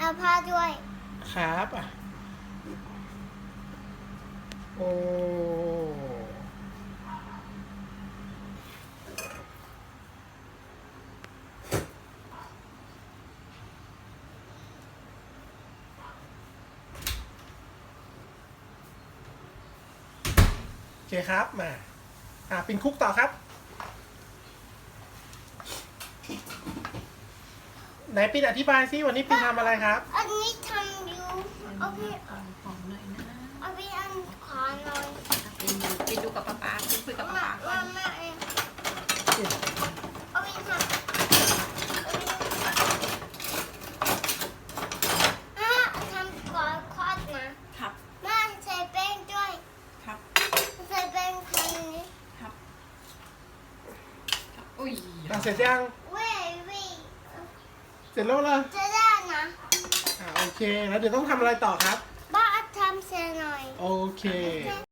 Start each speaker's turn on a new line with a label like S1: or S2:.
S1: เอาผ้าด้วย
S2: ครับอ่ะโอ้โอเคครับมาปินคุกต่อครับไหนปินอธิบายซิวันนี้ปินทำอะไรครับ
S1: อันนี้ทำอยู่เอาพี่
S3: ของหน่อยนะ
S1: เอาพี่อันขอหน่อย
S3: ไปดูกับป๊าคุยกับป๊าก่อน
S1: มาเองเอาพี่ทำทำก่อนคอดนะครับมาใส่แป้งด้วย
S3: ครับ
S1: ใส่แป้งคนนี้
S3: ครับอุ้ย
S2: เสร็จยัง
S1: เว้ย
S2: เสร็จแล้วเหรอ
S1: จะได้นะ
S2: โอเคแล้วเดี๋ยวต้องทำอะไรต่อครับ
S1: บ้าทำเสร็จหน่อย
S2: โอเค